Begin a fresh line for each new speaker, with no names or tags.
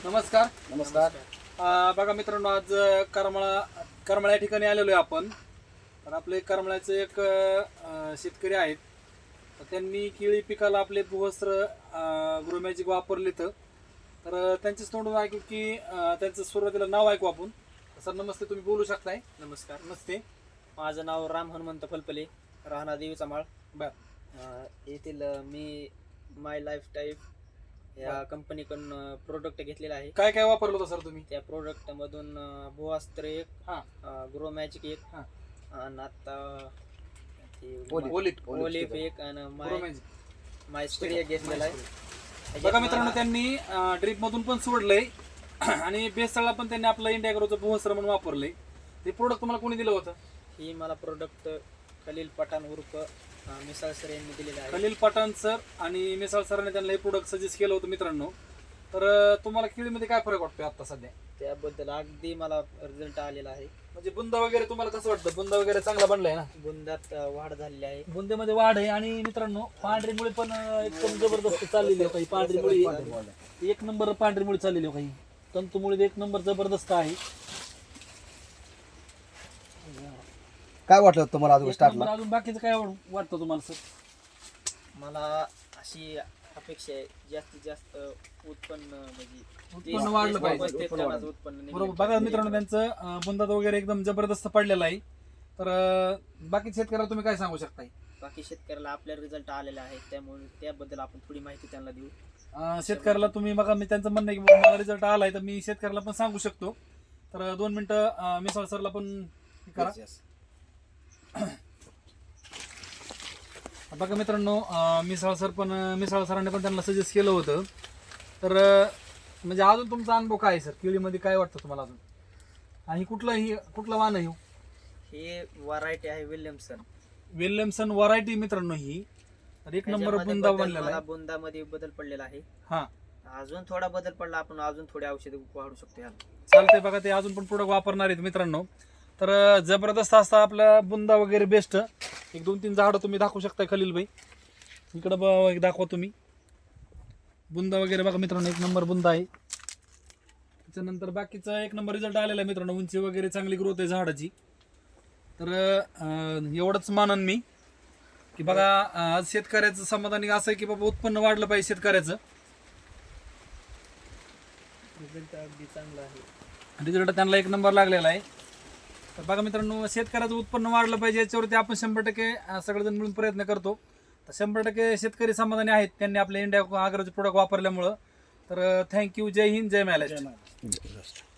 नमस्कार.
नमस्कार.
बघा मित्रांनो, आज करमाळा या ठिकाणी आलेलो आहे आपण. तर आपले करमाळ्याचे एक शेतकरी आहेत. तर त्यांनी केळी पिकाला आपले भूवस्त्र ग्रोमॅजिक वापरले तर त्यांचेच तोंडून ऐकू की त्यांचं सुरुवातीला नाव ऐकू आपण. सर नमस्ते, तुम्ही बोलू शकताय?
नमस्कार.
नमस्ते.
माझं नाव राम हनुमंत फलपले, राहणार देवीचा माळ.
बर.
येथील मी माय लाईफ टाईप या कंपनीकडून प्रोडक्ट घेतलेला आहे.
काय काय वापरलं होतं सर तुम्ही?
त्या प्रोडक्टमधून भुवास्त्र एक,
हां.
ग्रो मॅजिक एक,
हां.
आणि आता
ओलिट
ओलिफ एक, आणि
ग्रोमॅजिक.
माय स्प्रे घेतलेला आहे.
बघा मित्रांनो, त्यांनी ड्रीप मधून पण सोडलंय आणि बेसळला पण त्यांनी आपलं इंडिया ग्रोचं भूवस्त्र म्हणून वापरलंय. ते प्रोडक्ट तुम्हाला कोणी दिलं होतं?
ही मला प्रोडक्ट खलील पठाण उर्फ मिसाळ सर यांनी दिलेलं आहे.
खलील पठाण सर आणि मिसाळ सरांनी त्यांना हे प्रोडक्ट सजेस्ट केलं होतं मित्रांनो. तर तुम्हाला केळीमध्ये काय फरक वाटतोय आता सध्या?
त्याबद्दल अगदी मला रिझल्ट आलेला आहे.
म्हणजे बुंदा वगैरे तुम्हाला कसं वाटतं? बुंदा वगैरे चांगला बनलाय ना?
बुंदात वाढ झालेली आहे.
बुंदेमध्ये वाढ आहे आणि मित्रांनो पांढरी मुळे पण एकदम जबरदस्त चाललेली आहे. काही पांढरी मुळे एक नंबर पांढरी मुळे चाललेली आहे. काही तंतुमुळे एक नंबर जबरदस्त आहे.
काय वाटलं तुम्हाला अजून
एक
स्टार्टला?
नंबर. अजून बाकीचं काय वाटतं तुम्हाला सर?
मला अशी अपेक्षा आहे जास्तीत जास्त उत्पन्न म्हणजे
उत्पन्न वाढलं पाहिजे.
उत्पन्न
बरोबर. बघा मित्रांनो, त्यांचं बुंदात वगैरे एकदम जबरदस्त पडलेला आहे. तर बाकी शेतकऱ्याला तुम्ही काय सांगू शकताय?
बाकी शेतकऱ्याला आपल्या रिझल्ट आलेला आहे, त्यामुळे त्याबद्दल आपण थोडी माहिती त्यांना देऊ.
शेतकऱ्याला तुम्ही बघा, मी त्यांचं म्हणणं आहे की मला रिझल्ट आलाय तर मी शेतकऱ्याला पण सांगू शकतो. तर 2 मिनिटं मिसाळ सरला पण हे करा. बघा मित्रांनो, मिसाळ सरांनी पण त्यांना सजेस्ट केलं होतं. तर म्हणजे अजून तुमचा अनुभव काय आहे सर? केळीमध्ये काय वाटतं तुम्हाला अजून? आणि कुठलं वाण आहे?
हे व्हरायटी आहे
विल्यमसन व्हरायटी मित्रांनो ही. तर एक नंबर बुंदा बनलेला आहे.
बुंदामध्ये बदल पडलेला आहे.
हा,
अजून थोडा बदल पडला, आपण अजून थोडे औषध वाढू शकतो याला.
चालतंय. बघा, ते अजून पण प्रोडक्ट वापरणार आहेत मित्रांनो. तर जबरदस्त असता आपला बुंदा वगैरे बेस्ट. एक 2-3 झाडं तुम्ही दाखवू शकता खलील भाई. इकडं दाखवा तुम्ही बुंदा वगैरे. बघा मित्रांनो, एक नंबर बुंदा आहे. त्याच्यानंतर बाकीचा एक नंबर रिझल्ट आलेला आहे मित्रांनो. उंची वगैरे चांगली ग्रोथ आहे झाडाची. तर एवढंच मानन मी की बघा, आज शेतकऱ्याचं समाधानी असं आहे की बाबा उत्पन्न वाढलं पाहिजे शेतकऱ्याचं.
रिझल्ट अगदी चांगला आहे.
रिझल्ट त्यांना एक नंबर लागलेला आहे. तर बघा मित्रांनो, शेतकऱ्याचं उत्पन्न वाढलं पाहिजे याच्यावरती आपण 100% सगळेजण मिळून प्रयत्न करतो. तर 100% शेतकरी समाधानी आहेत त्यांनी आपल्या इंडिया आग्रोचे प्रोडक्ट वापरल्यामुळं. तर थँक्यू. जय हिंद, जय महाराष्ट्र.